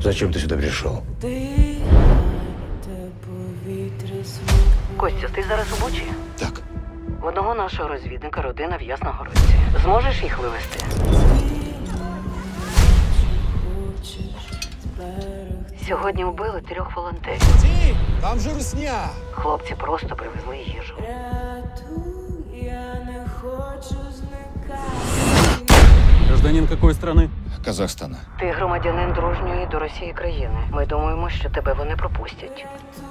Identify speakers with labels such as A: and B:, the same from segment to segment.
A: Зачем ты сюда пришел?
B: Костя, ти зараз у Бучі?
C: Так.
B: В одного нашого розвідника родина в Ясногородці. Зможеш їх вивезти? Сьогодні вбили 3 волонтерів.
C: Ті, там же русня.
B: Хлопці просто привезли їжу.
D: Гражданин какой страны?
C: Казахстана.
B: Ти громадянин дружньої до Росії країни. Ми думаємо, що тебе вони пропустять.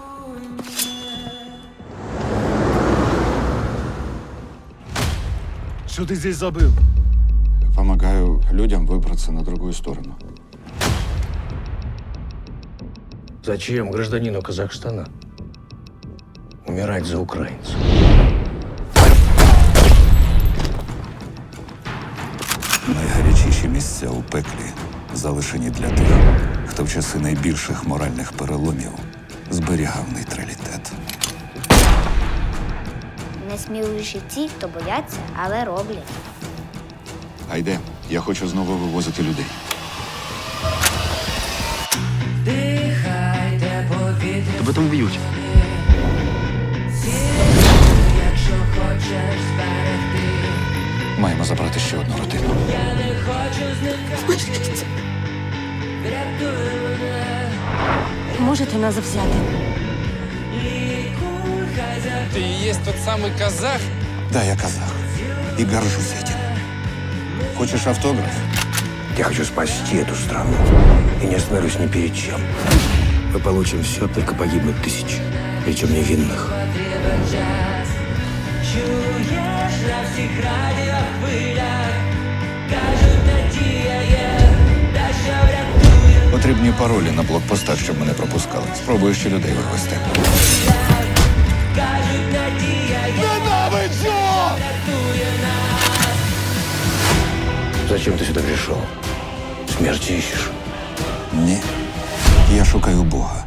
C: Что ты здесь забыл? Помогаю людям выбраться на другую сторону.
A: Зачем гражданину Казахстана умирать за украинцев?
E: Найгарячіші місця у пеклі залишені для тих, хто в часи найбільших моральних переломів зберігав нейтралітет.
F: Найсміливіші ті, хто бояться, але роблять.
E: Гайде, я хочу знову вивозити людей.
D: Тебе там б'ють.
E: Маємо забрати ще одну родину.
G: Можете нас взяти?
H: Ты и есть тот самый казах?
E: Да, я казах. И горжусь этим. Хочешь автограф?
A: Я хочу спасти эту страну и не остановлюсь ни перед чем. Мы получим все, только погибнут тысячи, причем невинных.
E: Потрібні паролі на блокпостах, щоб мене пропускали. Спробую ще людей вивезти.
A: Зачем ты сюда пришел? Смерти ищешь?
E: Ні. Я шукаю Бога.